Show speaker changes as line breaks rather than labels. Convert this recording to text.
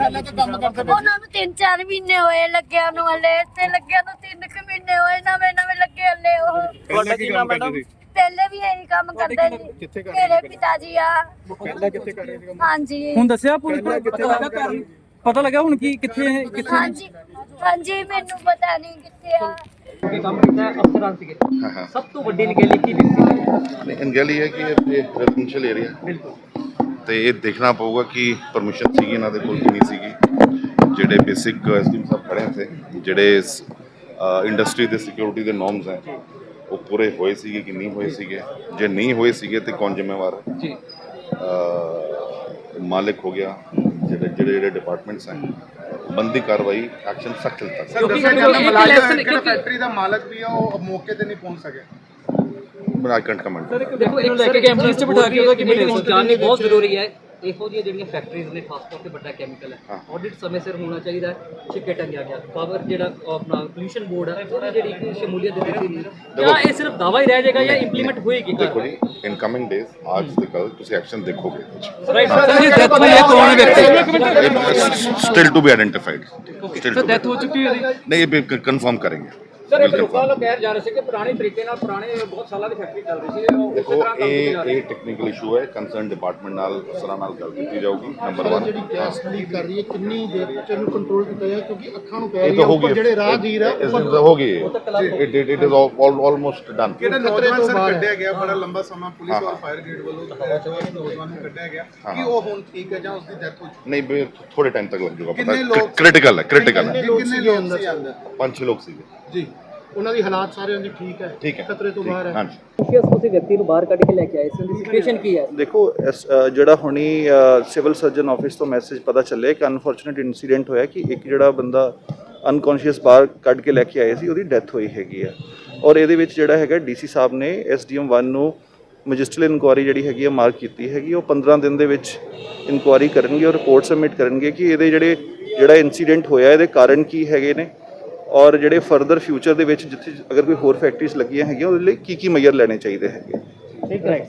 ਪਹਿਲਾਂ ਤਾਂ ਕੰਮ ਕਰਦੇ ਪਏ
ਉਹਨਾਂ ਨੂੰ 3-4 ਮਹੀਨੇ ਹੋਏ ਲੱਗਿਆ ਨੂੰ, ਹਲੇ ਇੱਥੇ ਲੱਗਿਆ ਨੂੰ 3 ਮਹੀਨੇ ਹੋਏ, ਨਵੇਂ ਲੱਗੇ ਹਲੇ ਉਹ।
ਪਹਿਲਾਂ ਕੀ ਕੰਮ ਕਰਦੇ ਸੀ?
ਪਹਿਲੇ ਵੀ ਇਹੀ ਕੰਮ ਕਰਦੇ
ਕਿੱਥੇ
ਸੀ
ਕਰਦੇ
ਮੇਰੇ ਪਿਤਾ ਜੀ ਆ।
ਪਹਿਲਾਂ ਕਿੱਥੇ ਕਰ ਰਹੇ ਸੀ ਕੰਮ?
ਹਾਂਜੀ
ਹੁਣ ਦੱਸਿਆ ਪੂਰੀ
ਪਹਿਲਾਂ ਕਿੱਥੇ ਕੰਮ ਕਰਦੇ ਸੀ?
ਪਤਾ ਲੱਗਾ ਹੁਣ ਕੀ ਕਿੱਥੇ
ਹਾਂਜੀ ਹਾਂਜੀ, ਮੈਨੂੰ ਪਤਾ ਨਹੀਂ ਕਿੱਥੇ ਆ।
ਕੰਮ ਕੀਤਾ ਅਫਸਰਾਂ ਸੀਗੇ।
ਹਾਂ
ਸਭ ਤੋਂ ਵੱਡੀ ਨਿਗਲੀ ਕੀ ਦਿੱਤੀ?
ਗੱਲ ਇਹ ਹੈ ਕਿ ਇਹ ਰੈਜ਼ੀਡੈਂਸ਼ੀਅਲ ਏਰੀਆ
ਬਿਲਕੁਲ
ਤੇ ਇਹ ਦੇਖਣਾ ਪਊਗਾ ਕਿ ਪਰਮਿਸ਼ਨ ਸੀਗੀ ਇਹਨਾਂ ਦੇ ਕੋਲ ਕਿ ਨਹੀਂ ਸੀਗੀ। ਜਿਹੜੇ ਬੇਸਿਕ ਐਸਡੀਐਮ ਸਾਹਿਬ ਖੜੇ ਥੇ, ਜਿਹੜੇ ਇੰਡਸਟਰੀ ਦੇ ਸਿਕਿਉਰਿਟੀ ਦੇ ਨੋਰਮਸ ਹੈ ਉਹ ਪੂਰੇ ਹੋਏ ਸੀਗੇ ਕਿ ਨਹੀਂ ਹੋਏ ਸੀਗੇ। ਜੇ ਨਹੀਂ ਹੋਏ ਸੀਗੇ ਤੇ ਕੌਣ ਜ਼ਿੰਮੇਵਾਰ ਹੈ?
ਜੀ
ਮਾਲਿਕ ਹੋ ਗਿਆ, ਜਿਹੜੇ ਡਿਪਾਰਟਮੈਂਟਸ ਹੈ, ਬੰਦੀ ਕਾਰਵਾਈ ਐਕਸ਼ਨ ਸਖਤ ਲਿੱਤਾ
ਸਰ ਦੱਸਿਆ ਜਾਂਦਾ ਮੁਲਾਜ਼ਮ ਜਿਹੜਾ ਫੈਕਟਰੀ ਦਾ ਮਾਲਕ ਵੀ ਆ ਉਹ ਮੌਕੇ ਤੇ ਨਹੀਂ ਪਹੁੰਚ ਸਕਿਆ।
I can't comment.
ਦੇਖੋ ਇਹਨੂੰ ਲੈ ਕੇ ਐਂਬੂਲੈਂਸ 'ਚ ਬਿਠਾ ਕੇ ਉਹਦਾ ਕਿਵੇਂ
ਜਾਣਨੀ ਬਹੁਤ ਜ਼ਰੂਰੀ ਹੈ। ਇਹੋ ਜਿਹੀਆਂ ਜਿਹੜੀਆਂ ਫੈਕਟਰੀਜ਼ ਨੇ ਖਾਸ ਤੌਰ ਤੇ ਵੱਡਾ ਕੈਮੀਕਲ ਹੈ, ਆਡਿਟ ਸਮੇਂ ਸਿਰ ਹੋਣਾ ਚਾਹੀਦਾ ਹੈ। ਛਿੱਕੇ ਟੰਗਿਆ ਗਿਆ ਪਾਵਰ ਜਿਹੜਾ ਆਪਣਾ ਪੋਲੂਸ਼ਨ ਬੋਰਡ ਹੈ ਉਹਦੀ ਜਿਹੜੀ ਇੱਕ ਸ਼ਮੂਲੀਅਤ ਦਿੱਤੀ ਨਹੀਂ, ਜਾਂ ਇਹ ਸਿਰਫ ਦਾਵਾ ਹੀ ਰਹਿ ਜਾਏਗਾ ਜਾਂ ਇੰਪਲੀਮੈਂਟ ਹੋਏਗੀ?
ਦੇਖੋ ਜੀ, ਇਨ ਕਮਿੰਗ ਡੇਜ਼ ਅੱਜ ਤੇ ਕੱਲ ਤੁਸੀਂ ਐਕਸ਼ਨ ਦੇਖੋਗੇ।
ਰਾਈਟ
ਸਰ ਜੀ ਡੈਥ ਹੋਈ ਹੈ, ਕੌਣ ਵਿਅਕਤੀ?
Still to be identified.
Sir death ਹੋ ਚੁੱਕੀ ਹੈ ਉਹਦੀ?
ਨਹੀਂ, ਇਹ ਕਨਫਰਮ ਕਰਾਂਗੇ।
ਸਰ ਇਹ ਲੋਕਾਂ ਵੱਲੋਂ ਕਹਿ ਜਾ ਰਹੇ ਸੀ ਕਿ ਪੁਰਾਣੇ ਤਰੀਕੇ ਨਾਲ ਪੁਰਾਣੇ ਬਹੁਤ ਸਾਲਾਂ ਦੀ ਫੈਕਟਰੀ ਚੱਲ ਰਹੀ ਸੀ, ਉਹ
ਦੇਖੋ ਇਹ ਟੈਕਨੀਕਲ ਇਸ਼ੂ ਹੈ, ਕੰਸਰਨ ਡਿਪਾਰਟਮੈਂਟ ਨਾਲ ਅਫਸਰਾਂ ਨਾਲ ਗੱਲ ਕੀਤੀ ਜਾਊਗੀ। ਨੰਬਰ 1
ਜਿਹੜੀ ਗੈਸ ਲੀਕ ਕਰ ਰਹੀ ਹੈ ਕਿੰਨੀ ਦੇਰ ਵਿੱਚ ਇਹਨੂੰ ਕੰਟਰੋਲ ਕੀਤਾ ਜਾਏ, ਕਿਉਂਕਿ ਅੱਖਾਂ ਨੂੰ ਪੈ
ਇਹ
ਰਹੀ
ਤਾਂ
ਹੈ
ਹੋ
ਉੱਪਰ
ਗਈ,
ਜਿਹੜੇ ਰਾਹਗੀਰ ਹੈ
ਇਸ ਦਿਨ ਹੋ ਗਈ ਇਟ ਇਜ਼ ਆਲਮੋਸਟ ਡਨ।
ਕਿਹੜਾ ਨੌਜਵਾਨ ਸਰ ਕੱਢਿਆ ਗਿਆ ਬੜਾ ਲੰਬਾ ਸਮਾਂ ਪੁਲਿਸ ਔਰ ਫਾਇਰ ਬ੍ਰਿਗੇਡ ਵੱਲੋਂ ਨੌਜਵਾਨ ਨੂੰ ਕੱਢਿਆ ਗਿਆ ਕਿ ਉਹ ਹੁਣ ਠੀਕ ਹੈ ਜਾਂ ਉਸ ਦੀ ਡੈਥ ਹੋ ਚੁੱਕੀ?
ਨਹੀਂ, ਥੋੜੇ ਟਾਈਮ ਤੱਕ ਲੱਗ ਜਾਊਗਾ
ਕਿੰਨੇ
ਪਤਾ।
ਲੋਕ-
ਕ੍ਰਿਟੀਕਲ ਹੈ
ਕਿੰਨੇ ਲੋਕ ਸੀ ਅੰਦਰ?
5-6 ਲੋਕ ਸੀਗੇ।
ਜੀ ਉਹਨਾਂ ਦੀ ਹਾਲਾਤ ਸਾਰਿਆਂ ਦੀ ਠੀਕ ਹੈ,
ਠੀਕ ਹੈ,
ਖਤਰੇ ਤੋਂ ਬਾਹਰ ਹੈ।
ਹਾਂਜੀ।
ਤੁਸੀਂ ਵਿਅਕਤੀ ਨੂੰ ਬਾਹਰ ਕੱਢ ਕੇ ਲੈ ਕੇ ਆਏ ਸੀ, ਉਹਦੀ ਸਿਚੁਏਸ਼ਨ ਕੀ ਹੈ?
ਦੇਖੋ ਜਿਹੜਾ ਹੁਣੀ ਸਿਵਲ ਸਰਜਨ ਆਫਿਸ ਤੋਂ ਮੈਸੇਜ ਪਤਾ ਚੱਲਿਆ ਕਿ ਅਨਫੋਰਚੂਨੇਟ ਇਨਸੀਡੈਂਟ ਹੋਇਆ ਕਿ ਇੱਕ ਜਿਹੜਾ ਬੰਦਾ ਅਨਕੌਂਸ਼ੀਅਸ ਬਾਹਰ ਕੱਢ ਕੇ ਲੈ ਕੇ ਆਏ ਸੀ, ਉਹਦੀ ਡੈਥ ਹੋਈ ਹੈਗੀ ਆ। ਔਰ ਇਹਦੇ ਵਿੱਚ ਜਿਹੜਾ ਹੈਗਾ ਡੀਸੀ ਸਾਹਿਬ ਨੇ ਐਸਡੀਐਮ 1 ਨੂੰ ਮੈਜਿਸਟਰਲ ਇਨਕੁਆਇਰੀ ਜਿਹੜੀ ਹੈਗੀ ਆ ਮਾਰਕ ਕੀਤੀ ਹੈਗੀ। ਉਹ 15 ਦਿਨ ਦੇ ਵਿੱਚ ਇਨਕੁਆਇਰੀ ਕਰਨਗੇ ਔਰ ਰਿਪੋਰਟ ਸਬਮਿਟ ਕਰਨਗੇ ਕਿ ਇਹਦੇ ਜਿਹੜਾ ਇਨਸੀਡੈਂਟ ਹੋਇਆ ਇਹਦੇ ਕਾਰਨ ਕੀ ਹੈਗੇ ਨੇ, ਔਰ ਜਿਹੜੇ ਫਰਦਰ ਫਿਊਚਰ ਦੇ ਵਿੱਚ ਜਿੱਥੇ ਅਗਰ ਕੋਈ ਹੋਰ ਫੈਕਟਰੀਜ਼ ਲੱਗੀਆਂ ਹੈਗੀਆਂ ਉਹਦੇ ਲਈ ਕੀ ਮੈਜਰ ਲੈਣੇ ਚਾਹੀਦੇ ਹੈਗੇ।
ਠੀਕ ਹੈ।